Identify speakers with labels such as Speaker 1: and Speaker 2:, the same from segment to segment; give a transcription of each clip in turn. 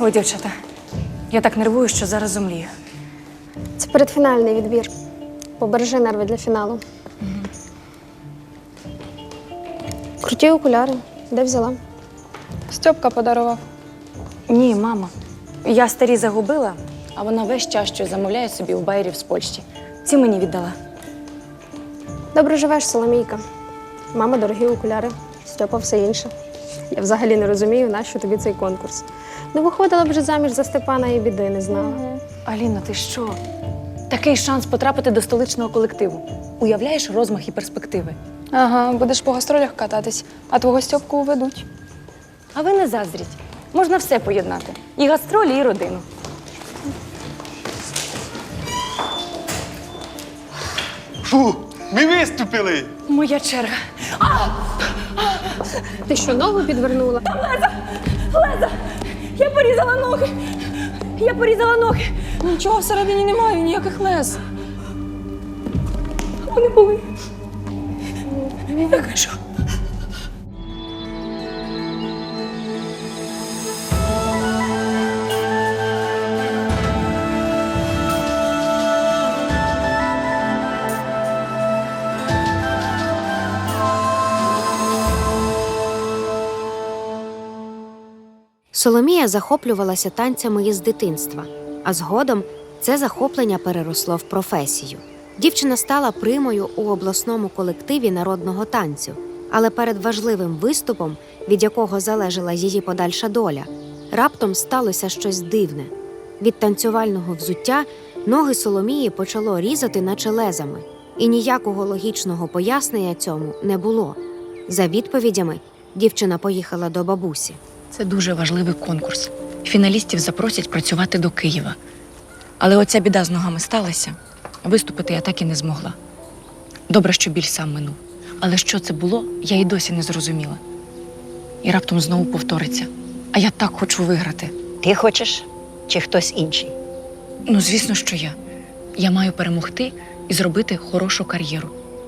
Speaker 1: Ой, дівчата, я так нервую, що зараз зомлію.
Speaker 2: Це передфінальний відбір. Побережи нерви для фіналу. Круті окуляри. Де взяла?
Speaker 3: Стьопка подарував.
Speaker 1: Ні, мама. Я старі загубила, а вона весь час щось замовляє собі у байерів з Польщі. Ці мені віддала.
Speaker 2: Добре живеш, Соломійка. Мама, дорогі окуляри. Стьопа все інше. Я взагалі не розумію, нащо тобі цей конкурс. Не виходила б вже заміж за Степана і біди не знала.
Speaker 1: Аліна, ти що? Такий шанс потрапити до столичного колективу. Уявляєш розмах і перспективи?
Speaker 3: Ага, будеш по гастролях кататись, а твого Стьопку уведуть.
Speaker 1: А ви не заздріть. Можна все поєднати. І гастролі, і родину.
Speaker 4: Фу, ми виступили!
Speaker 1: Моя черга.
Speaker 2: Ти що, ногу підвернула?
Speaker 1: Леза! Я порізала ноги! Я порізала ноги!
Speaker 3: Нічого всередині немає, ніяких лез.
Speaker 1: Вони були. Я кажу.
Speaker 5: Соломія захоплювалася танцями із дитинства, а згодом це захоплення переросло в професію. Дівчина стала примою у обласному колективі народного танцю, але перед важливим виступом, від якого залежала її подальша доля, раптом сталося щось дивне. Від танцювального взуття ноги Соломії почало різати наче лезами, і ніякого логічного пояснення цьому не було. За відповідями дівчина поїхала до бабусі.
Speaker 6: Це дуже важливий конкурс. Фіналістів запросять працювати до Києва. Але оця біда з ногами сталася. Виступити я так і не змогла. Добре, що біль сам минув. Але що це було, я й досі не зрозуміла. І раптом знову повториться. А я так хочу виграти.
Speaker 7: Ти хочеш чи хтось інший?
Speaker 6: Ну, звісно, що я. Я маю перемогти і зробити хорошу кар'єру.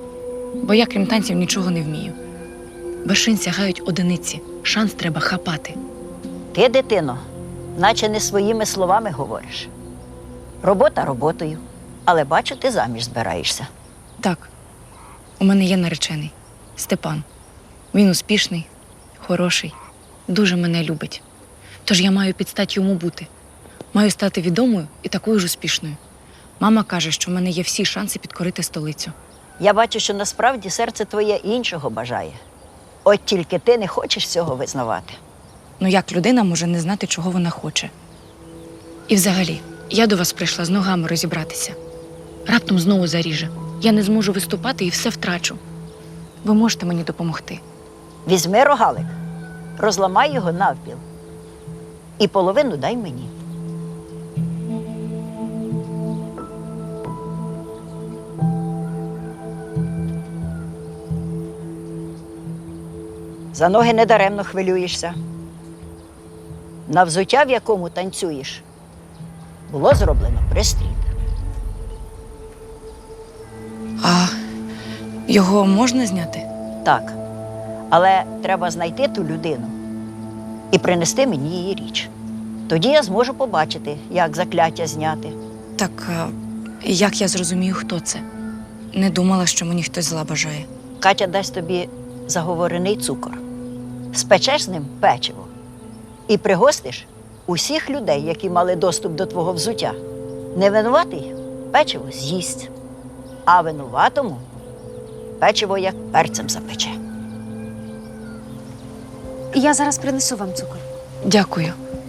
Speaker 6: Бо я, крім танців, нічого не вмію. Вершин сягають одиниці. Шанс треба хапати.
Speaker 7: Ти, дитино, наче не своїми словами говориш. Робота роботою, але бачу, ти заміж збираєшся.
Speaker 6: Так, у мене є наречений – Степан. Він успішний, хороший, дуже мене любить. Тож я маю підстать йому бути. Маю стати відомою і такою ж успішною. Мама каже, що в мене є всі шанси підкорити столицю.
Speaker 7: Я бачу, що насправді серце твоє іншого бажає. От тільки ти не хочеш цього визнавати.
Speaker 6: Ну як людина може не знати, чого вона хоче? І взагалі, я до вас прийшла з ногами розібратися. Раптом знову заріже. Я не зможу виступати і все втрачу. Ви можете мені допомогти?
Speaker 7: Візьми рогалик, розламай його навпіл і половину дай мені. За ноги недаремно хвилюєшся. На взуття, в якому танцюєш, було зроблено пристрій.
Speaker 6: А його можна зняти?
Speaker 7: Так, але треба знайти ту людину і принести мені її річ. Тоді я зможу побачити, як закляття зняти.
Speaker 6: Так, як я зрозумію, хто це? Не думала, що мені хтось зла бажає.
Speaker 7: Катя дасть тобі заговорений цукор. Спечеш з ним печиво і пригостиш усіх людей, які мали доступ до твого взуття. Невинуватий печиво з'їсть, а винуватому печиво як перцем запече.
Speaker 5: Я зараз принесу вам цукор.
Speaker 6: Дякую.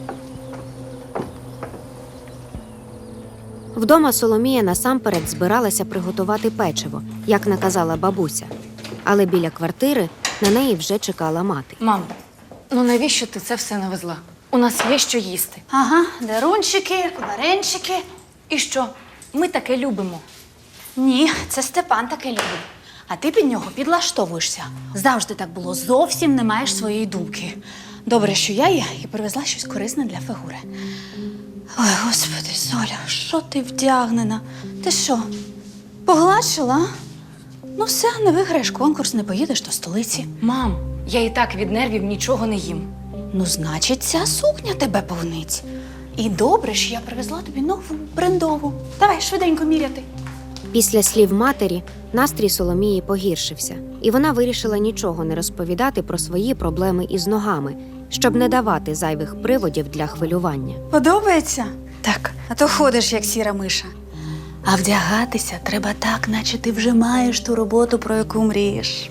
Speaker 5: Вдома Соломія насамперед збиралася приготувати печиво, як наказала бабуся. Але біля квартири на неї вже чекала мати.
Speaker 1: Мам, ну навіщо ти це все навезла? У нас є що їсти.
Speaker 8: Ага, дерунчики, варенчики.
Speaker 1: І що? Ми таке любимо.
Speaker 8: Ні, це Степан таке любить. А ти під нього підлаштовуєшся. Завжди так було, зовсім не маєш своєї думки. Добре, що я є і привезла щось корисне для фігури. Ой, господи, Соля, що ти вдягнена? Ти що, погладшила? Ну все, не виграєш конкурс, не поїдеш до столиці.
Speaker 1: Мам, я і так від нервів нічого не їм.
Speaker 8: Ну, значить, ця сукня тебе повнить. І добре, що я привезла тобі нову, брендову. Давай, швиденько міряти.
Speaker 5: Після слів матері настрій Соломії погіршився, і вона вирішила нічого не розповідати про свої проблеми із ногами, щоб не давати зайвих приводів для хвилювання.
Speaker 8: Подобається? Так. А то ходиш, як сіра миша. А вдягатися треба так, наче ти вже маєш ту роботу, про яку мрієш.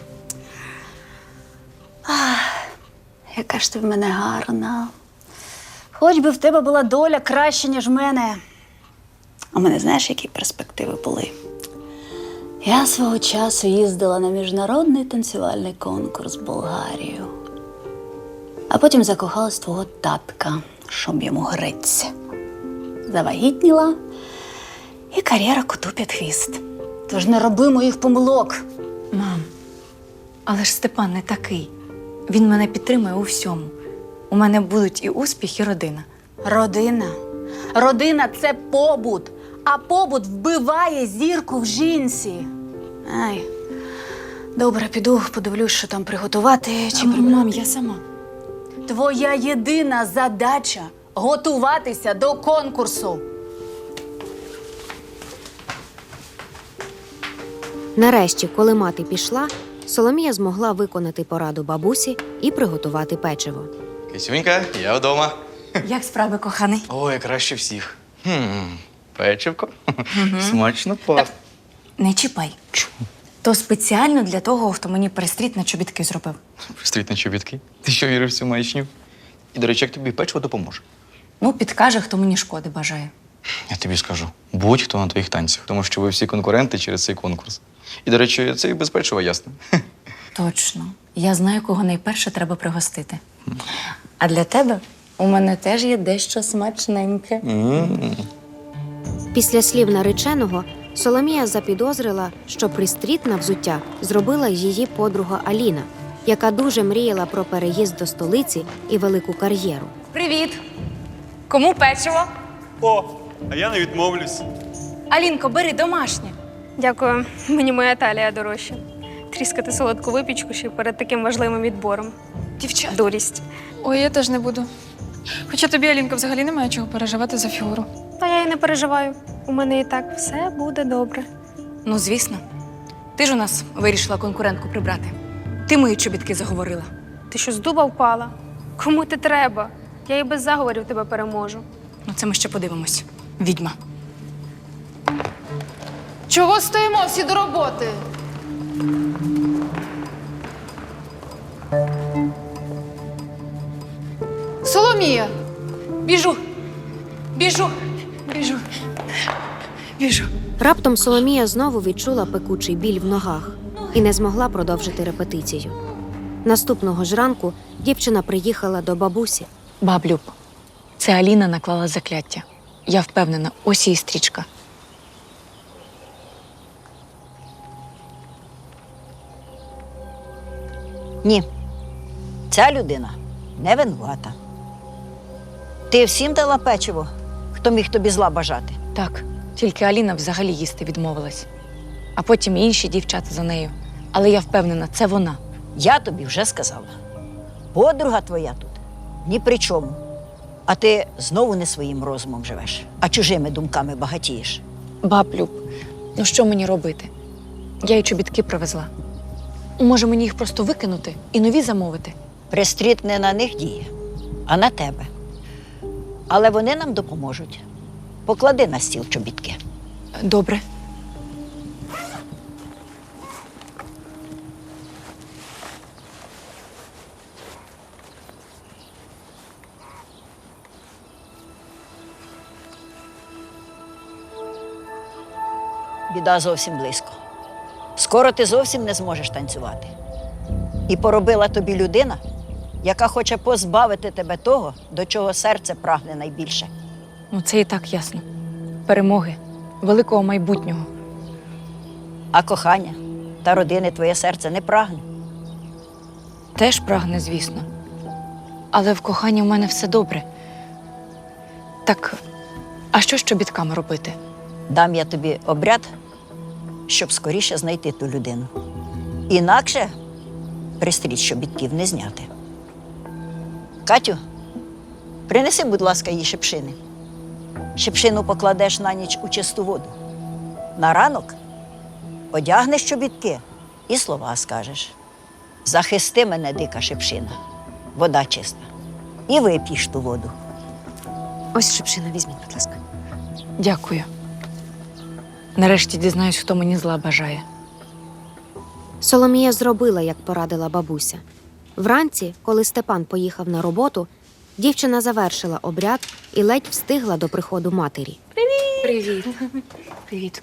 Speaker 8: Ах, яка ж ти в мене гарна. Хоч би в тебе була доля краще, ніж в мене. У мене знаєш, які перспективи були? Я свого часу їздила на міжнародний танцювальний конкурс в Болгарію. А потім закохалась в твого татка, щоб йому греться. Завагітніла і кар'єра коту під хвіст. Тож не роби моїх помилок.
Speaker 1: Мам, але ж Степан не такий. Він мене підтримує у всьому. У мене будуть і успіх, і родина.
Speaker 8: Родина. Родина – це побут. А побут вбиває зірку в жінці. Ай, добре, піду, подивлюсь, що там приготувати чи прибрати.
Speaker 1: Мам, я сама.
Speaker 8: Твоя єдина задача – готуватися до конкурсу.
Speaker 5: Нарешті, коли мати пішла, Соломія змогла виконати пораду бабусі і приготувати печиво.
Speaker 4: Кисюнька, я вдома.
Speaker 1: Як справи, коханий?
Speaker 4: Ой, краще всіх. Печивко. Смачно пахне.
Speaker 1: Не чіпай. То спеціально для того, хто мені перестріт на чобітки зробив.
Speaker 4: Стріть на чобітки. Ти що віриш в цю маячню? І, до речі, як тобі печиво допоможе?
Speaker 1: Ну, підкаже, хто мені шкоди бажає.
Speaker 4: Я тобі скажу, будь-хто на твоїх танцях, тому що ви всі конкуренти через цей конкурс. І, до речі, це і без печива ясно.
Speaker 1: Точно. Я знаю, кого найперше треба пригостити. А для тебе у мене теж є дещо смачненьке.
Speaker 5: Після слів нареченого Соломія запідозрила, що пристріт на взуття зробила її подруга Аліна, яка дуже мріяла про переїзд до столиці і велику кар'єру.
Speaker 1: Привіт! Кому печиво?
Speaker 4: О, а я не відмовлюсь.
Speaker 1: Алінко, бери домашнє.
Speaker 2: Дякую, мені моя талія дорожча. Тріскати солодку випічку ще перед таким важливим відбором.
Speaker 3: Дівчат.
Speaker 2: Дурість.
Speaker 3: Ой, я теж не буду. Хоча тобі, Алінка, взагалі немає чого переживати за фігуру.
Speaker 2: Та я й не переживаю. У мене і так все буде добре.
Speaker 1: Ну, звісно. Ти ж у нас вирішила конкурентку прибрати. Ти мої чобітки заговорила.
Speaker 2: Ти що, з дуба впала? Кому ти треба? Я і без заговорів тебе переможу.
Speaker 1: Ну, це ми ще подивимось. Відьма.
Speaker 3: Чого стоїмо всі до роботи? Соломія!
Speaker 1: Біжу! Біжу! Біжу! Біжу!
Speaker 5: Раптом Соломія знову відчула пекучий біль в ногах і не змогла продовжити репетицію. Наступного ж ранку дівчина приїхала до бабусі.
Speaker 1: Баблюб, це Аліна наклала закляття. Я впевнена, ось її стрічка.
Speaker 7: Ні, ця людина не винувата. Ти всім дала печиво, хто міг тобі зла бажати.
Speaker 1: Так, тільки Аліна взагалі їсти відмовилась. А потім і інші дівчата за нею. Але я впевнена, це вона.
Speaker 7: Я тобі вже сказала. Подруга твоя тут ні при чому. А ти знову не своїм розумом живеш, а чужими думками багатієш.
Speaker 1: Баблюб, ну що мені робити? Я й чобітки привезла. Може, мені їх просто викинути і нові замовити?
Speaker 7: Пристріт не на них діє, а на тебе. Але вони нам допоможуть. Поклади на стіл чобітки.
Speaker 1: Добре.
Speaker 7: Біда зовсім близько. Скоро ти зовсім не зможеш танцювати. І поробила тобі людина, яка хоче позбавити тебе того, до чого серце прагне найбільше.
Speaker 1: Ну, це і так ясно. Перемоги, великого майбутнього.
Speaker 7: А кохання та родини твоє серце не прагне.
Speaker 1: Теж прагне, звісно. Але в коханні в мене все добре. Так, а що з чобітками робити?
Speaker 7: Дам я тобі обряд, щоб скоріше знайти ту людину. Інакше пристріт чобітків не зняти. Катю, принеси, будь ласка, їй шипшини. шипшину покладеш на ніч у чисту воду. На ранок одягнеш чобітки і слова скажеш. Захисти мене, дика шипшина, вода чиста. І вип'єш ту воду.
Speaker 5: Ось шипшина, візьміть, будь ласка.
Speaker 6: Дякую. Нарешті дізнаюсь, хто мені зла бажає.
Speaker 5: Соломія зробила, як порадила бабуся. Вранці, коли Степан поїхав на роботу, дівчина завершила обряд і ледь встигла до приходу матері.
Speaker 6: Привіт. Привіт.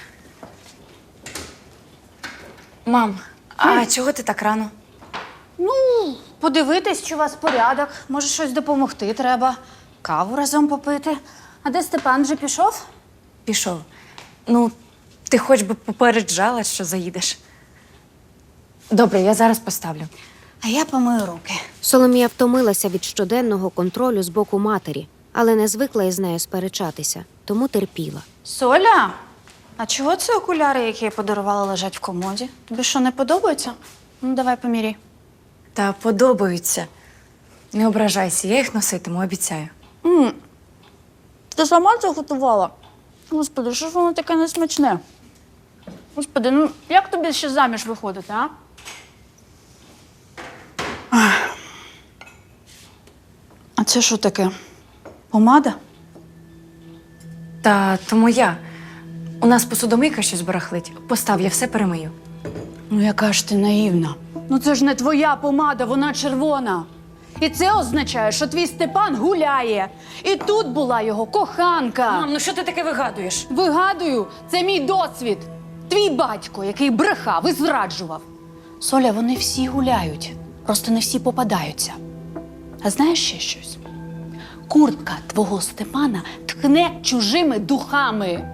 Speaker 6: Мам, а чого ти так рано?
Speaker 8: Подивитись, чи у вас порядок. Може, щось допомогти треба. Каву разом попити. А де Степан вже пішов?
Speaker 6: Пішов. Ну, ти хоч би попереджала, що заїдеш. Добре, я зараз поставлю.
Speaker 8: А я помию руки.
Speaker 5: Соломія втомилася від щоденного контролю з боку матері, але не звикла із нею сперечатися, тому терпіла.
Speaker 8: Соля, а чого це окуляри, які я подарувала, лежать в комоді? Тобі що, не подобаються? Ну, давай поміряй.
Speaker 6: Та подобаються. Не ображайся, я їх носитиму, обіцяю.
Speaker 8: Ти сама це готувала? Господи, що ж воно таке несмачне? Господи, ну як тобі ще заміж виходити, а? А це що таке? Помада?
Speaker 6: Та то моя. У нас посудомийка щось барахлить. Постав, я все перемию.
Speaker 8: Ну, яка ж ти наївна. Ну це ж не твоя помада, вона червона. І це означає, що твій Степан гуляє. І тут була його коханка.
Speaker 6: Мам, ну що ти таке вигадуєш?
Speaker 8: Вигадую, це мій досвід. Твій батько, який брехав і зраджував. Соля, вони всі гуляють, просто не всі попадаються. А знаєш ще щось? Куртка твого Степана тхне чужими духами.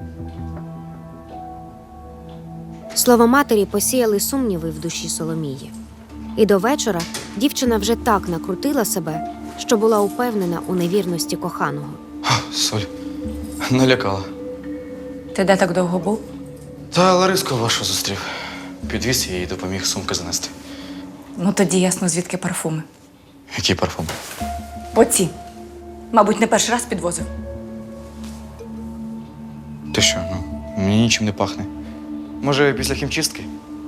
Speaker 5: Слова матері посіяли сумніви в душі Соломії. І до вечора дівчина вже так накрутила себе, що була упевнена у невірності коханого.
Speaker 4: Соль, налякала.
Speaker 6: Ти де так довго був?
Speaker 4: Та Лариску вашу зустрів. Підвіз її і допоміг сумки занести.
Speaker 6: Ну тоді ясно, звідки парфуми.
Speaker 4: Який парфум?
Speaker 6: Оці. Мабуть, не перший раз підвозив.
Speaker 4: Ти що, мені нічим не пахне. Може, після хімчистки?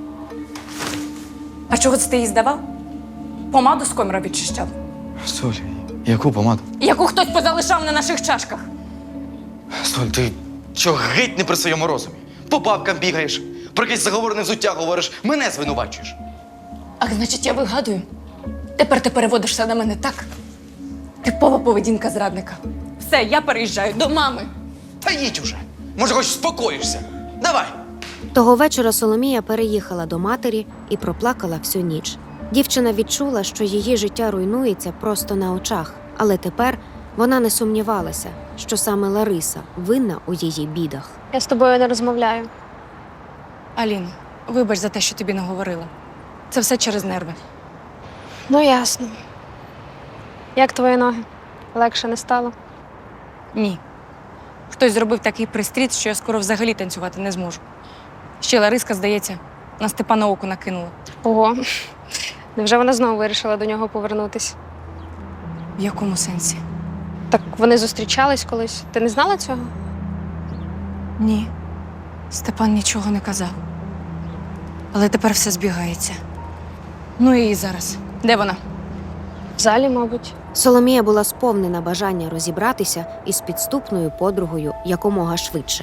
Speaker 6: А чого це ти їй здавав? Помаду з коміра відчищав.
Speaker 4: Соль, яку помаду?
Speaker 6: Яку хтось позалишав на наших чашках.
Speaker 4: Соль, ти чого геть не при своєму розумі? По бабкам бігаєш, про якесь заговорене взуття говориш, мене звинувачуєш.
Speaker 6: Ах, значить, я вигадую. Тепер ти переводишся на мене так. Типова поведінка зрадника. Все, я переїжджаю до мами.
Speaker 4: Та їдь уже. Може, хоч спокоїшся. Давай.
Speaker 5: Того вечора Соломія переїхала до матері і проплакала всю ніч. Дівчина відчула, що її життя руйнується просто на очах, але тепер вона не сумнівалася, що саме Лариса винна у її бідах.
Speaker 2: Я з тобою не розмовляю.
Speaker 6: Аліно, вибач за те, що тобі наговорила. Це все через нерви.
Speaker 2: Ну, ясно. Як твої ноги? Легше не стало?
Speaker 6: Ні. Хтось зробив такий пристріт, що я скоро взагалі танцювати не зможу. Ще Лариска, здається, на Степана око накинула.
Speaker 2: Ого. Невже вона знову вирішила до нього повернутись?
Speaker 6: В якому сенсі?
Speaker 2: Так вони зустрічались колись. Ти не знала цього?
Speaker 6: Ні. Степан нічого не казав. Але тепер все збігається. Ну і зараз. Де вона?
Speaker 2: В залі, мабуть.
Speaker 5: Соломія була сповнена бажання розібратися із підступною подругою якомога швидше.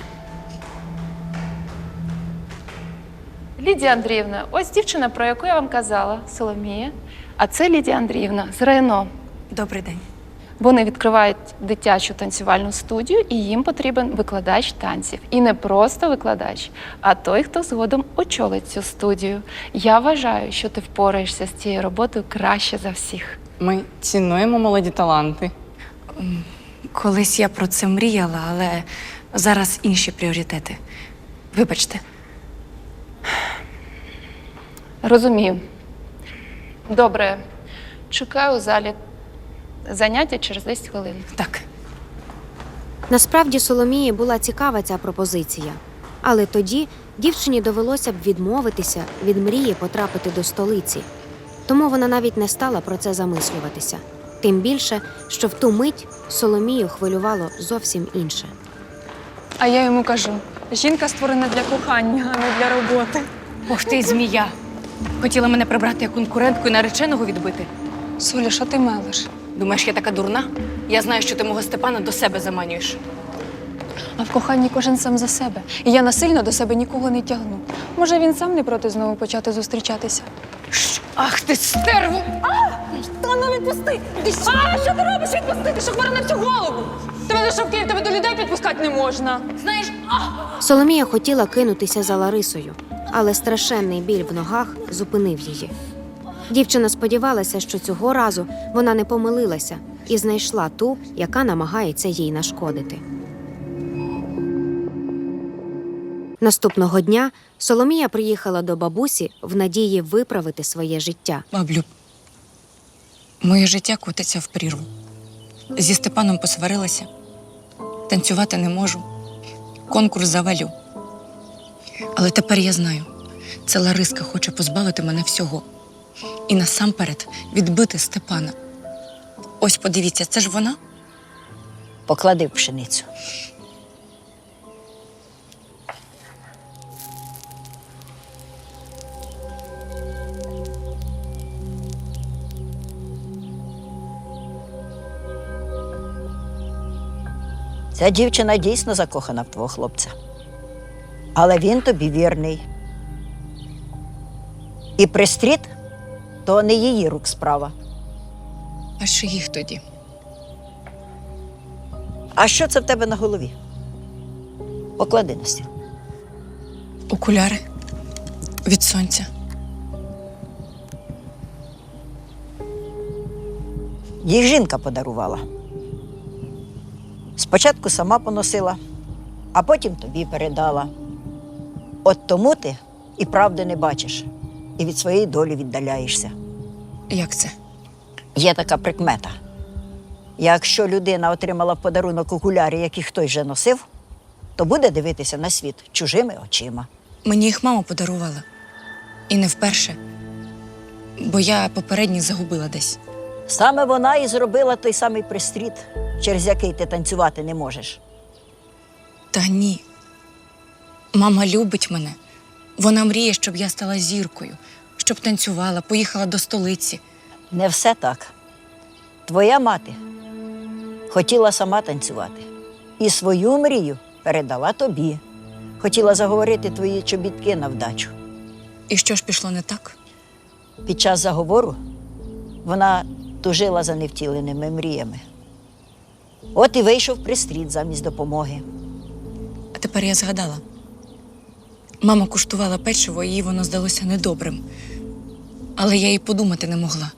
Speaker 9: Лідія Андріївна, ось дівчина, про яку я вам казала, Соломія. А це Лідія Андріївна з РайНО.
Speaker 6: Добрий день.
Speaker 9: Вони відкривають дитячу танцювальну студію, і їм потрібен викладач танців. І не просто викладач, а той, хто згодом очолить цю студію. Я вважаю, що ти впораєшся з цією роботою краще за всіх.
Speaker 10: Ми цінуємо молоді таланти.
Speaker 6: Колись я про це мріяла, але зараз інші пріоритети. Вибачте.
Speaker 9: Розумію. Добре. Чекаю у залі. Заняття через 10 хвилин.
Speaker 6: Так.
Speaker 5: Насправді Соломії була цікава ця пропозиція. Але тоді дівчині довелося б відмовитися від мрії потрапити до столиці. Тому вона навіть не стала про це замислюватися. Тим більше, що в ту мить Соломію хвилювало зовсім інше.
Speaker 3: А я йому кажу: жінка створена для кохання, а не для роботи.
Speaker 6: Ох ти, змія! Хотіла мене прибрати як конкурентку і нареченого відбити.
Speaker 3: Соля, що ти мелиш?
Speaker 6: Думаєш, я така дурна? Я знаю, що ти мого Степана до себе заманюєш.
Speaker 3: А в коханні кожен сам за себе. І я насильно до себе нікого не тягну. Може, він сам не проти знову почати зустрічатися?
Speaker 6: Ах ти, стерву!
Speaker 3: Та ну відпусти! А, що ти робиш? Відпусти! Ти що хвора на всю голову? Тебе лише в Київ, тебе до людей підпускати не можна.
Speaker 6: Знаєш,
Speaker 5: Соломія хотіла кинутися за Ларисою, але страшенний біль в ногах зупинив її. Дівчина сподівалася, що цього разу вона не помилилася і знайшла ту, яка намагається їй нашкодити. Наступного дня Соломія приїхала до бабусі в надії виправити своє життя.
Speaker 6: баблю, моє життя котиться в прірву. Зі Степаном посварилася. Танцювати не можу. Конкурс завалю. Але тепер я знаю, це Лариска хоче позбавити мене всього. І насамперед відбити Степана. Ось подивіться, це ж вона?
Speaker 7: Поклади в пшеницю. Ця дівчина дійсно закохана в твого хлопця. Але він тобі вірний. І пристріт – то не її рук справа.
Speaker 6: А що їх тоді?
Speaker 7: А що це в тебе на голові? Поклади на стіл.
Speaker 6: Окуляри від сонця.
Speaker 7: Їх жінка подарувала. Спочатку сама поносила, а потім тобі передала. От тому ти і правди не бачиш, і від своєї долі віддаляєшся.
Speaker 6: Як це?
Speaker 7: Є така прикмета. Якщо людина отримала в подарунок окуляри, які хтось вже носив, то буде дивитися на світ чужими очима.
Speaker 6: Мені їх мама подарувала. І не вперше. Бо я попередні загубила десь.
Speaker 7: Саме вона і зробила той самий пристріт, через який ти танцювати не можеш.
Speaker 6: Та ні. Мама любить мене. Вона мріє, щоб я стала зіркою, щоб танцювала, поїхала до столиці.
Speaker 7: Не все так. Твоя мати хотіла сама танцювати. І свою мрію передала тобі. Хотіла заговорити твої чобітки на вдачу.
Speaker 6: І що ж пішло не так?
Speaker 7: Під час заговору вона тужила за невтіленими мріями. От і вийшов пристріт замість допомоги.
Speaker 6: А тепер я згадала. Мама куштувала печиво, і їй воно здалося недобрим. Але я й подумати не могла.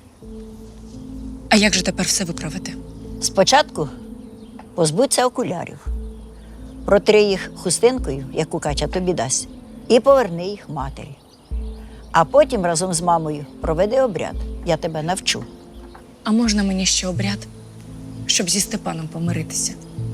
Speaker 6: А як же тепер все виправити?
Speaker 7: Спочатку позбудься окулярів, протри їх хустинкою, яку Катя тобі дасть, і поверни їх матері. А потім разом з мамою проведи обряд. Я тебе навчу.
Speaker 6: А можна мені ще обряд, щоб зі Степаном помиритися?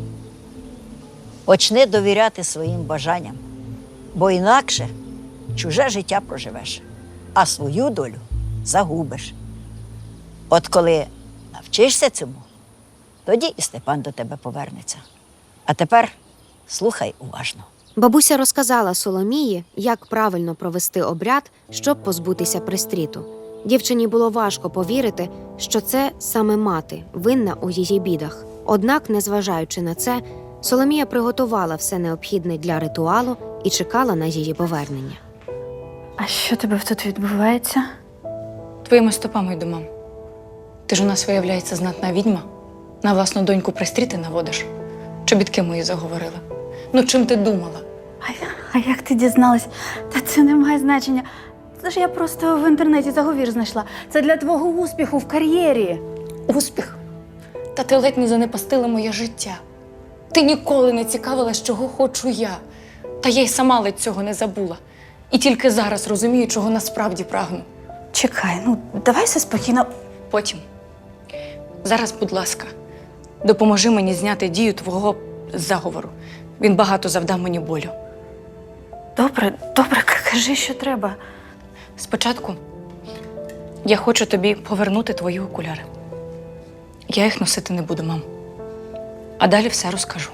Speaker 7: Почни довіряти своїм бажанням, бо інакше чуже життя проживеш, а свою долю загубиш. От коли навчишся цьому, тоді і Степан до тебе повернеться. А тепер слухай уважно.
Speaker 5: Бабуся розказала Соломії, як правильно провести обряд, щоб позбутися пристріту. Дівчині було важко повірити, що це саме мати винна у її бідах. Однак, незважаючи на це, Соломія приготувала все необхідне для ритуалу і чекала на її повернення.
Speaker 8: А що тебе тут відбувається?
Speaker 6: Твоїми стопами йду, мам. Ти ж у нас, виявляється, знатна відьма. На власну доньку пристріти наводиш. Чобітки мої заговорила. Ну, чим ти думала?
Speaker 8: А як ти дізналась? Та це не має значення. Це ж я просто в інтернеті заговір знайшла. Це для твого успіху в кар'єрі.
Speaker 6: Успіх? Та ти ледь не занепастила моє життя. Ти ніколи не цікавилась, чого хочу я. Та я й сама ледь цього не забула. І тільки зараз розумію, чого насправді прагну.
Speaker 8: Чекай, ну давай все спокійно.
Speaker 6: Потім. Зараз, будь ласка, допоможи мені зняти дію твого заговору. Він багато завдав мені болю.
Speaker 8: Добре, кажи, що треба.
Speaker 6: Спочатку я хочу тобі повернути твої окуляри. Я їх носити не буду, мам. А далі все розкажу.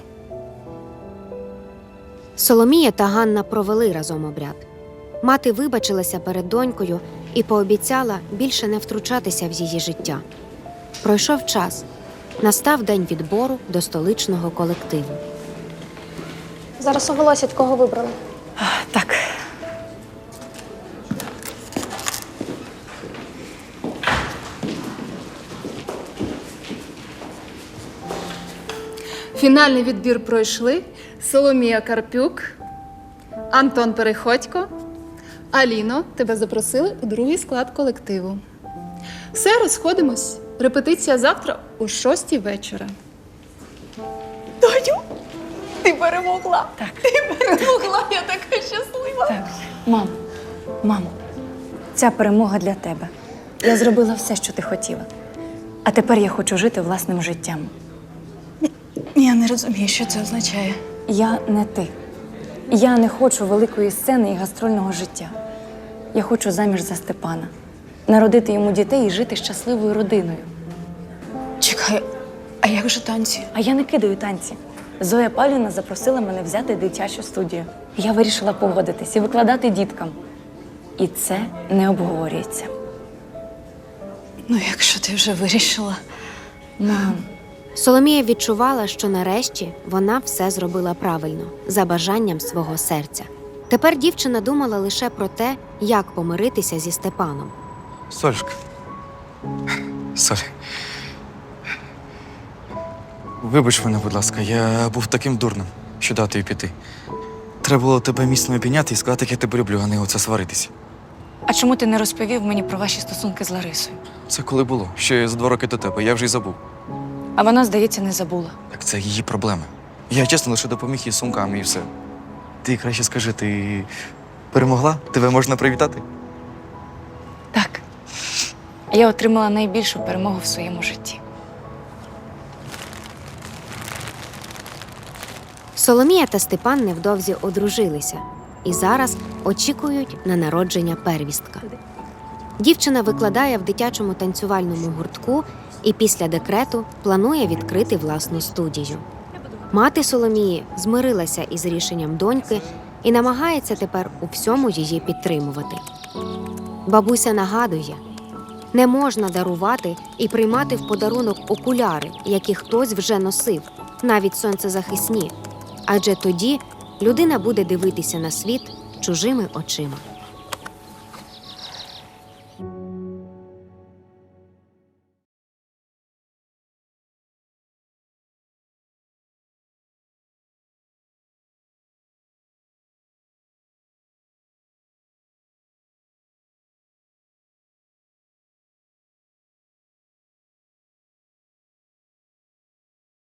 Speaker 5: Соломія та Ганна провели разом обряд. Мати вибачилася перед донькою і пообіцяла більше не втручатися в її життя. Пройшов час. Настав день відбору до столичного колективу.
Speaker 2: Зараз оголосять, кого вибрали.
Speaker 6: Так.
Speaker 9: Фінальний відбір пройшли Соломія Карпюк, Антон Переходько. Аліно, тебе запросили у другий склад колективу. Все, розходимось. Репетиція завтра о 6:00 вечора.
Speaker 3: Доню, ти перемогла. Так. Ти перемогла, я така щаслива.
Speaker 6: Так. Мамо, ця перемога для тебе. Я зробила все, що ти хотіла. А тепер я хочу жити власним життям.
Speaker 8: Я не розумію, що це означає.
Speaker 6: Я не ти. Я не хочу великої сцени і гастрольного життя. Я хочу заміж за Степана, народити йому дітей і жити щасливою родиною.
Speaker 8: Чекай, а як же танці?
Speaker 6: А я не кидаю танці. Зоя Павлівна запросила мене взяти дитячу студію. Я вирішила погодитись і викладати діткам. І це не обговорюється.
Speaker 8: Ну, якщо ти вже вирішила.
Speaker 6: Мам,
Speaker 5: Соломія відчувала, що нарешті вона все зробила правильно, за бажанням свого серця. Тепер дівчина думала лише про те, як помиритися зі Степаном.
Speaker 4: Солюшка. Соль. Вибач мене, будь ласка, я був таким дурним, що дав тобі піти. Треба було тебе міцно обійняти і сказати, як я тебе люблю, а не оце сваритися.
Speaker 6: а чому ти не розповів мені про ваші стосунки з Ларисою?
Speaker 4: Це коли було? Ще за 2 роки до тебе, я вже й забув.
Speaker 6: А вона, здається, не забула.
Speaker 4: Так це її проблеми. Я чесно лише допоміг їй з сумками і все. Ти краще скажи, ти перемогла? Тебе можна привітати?
Speaker 6: Так. Я отримала найбільшу перемогу в своєму житті.
Speaker 5: Соломія та Степан невдовзі одружилися і зараз очікують на народження первістка. Дівчина викладає в дитячому танцювальному гуртку і після декрету планує відкрити власну студію. Мати Соломії змирилася із рішенням доньки і намагається тепер у всьому її підтримувати. Бабуся нагадує, не можна дарувати і приймати в подарунок окуляри, які хтось вже носив, навіть сонцезахисні, адже тоді людина буде дивитися на світ чужими очима.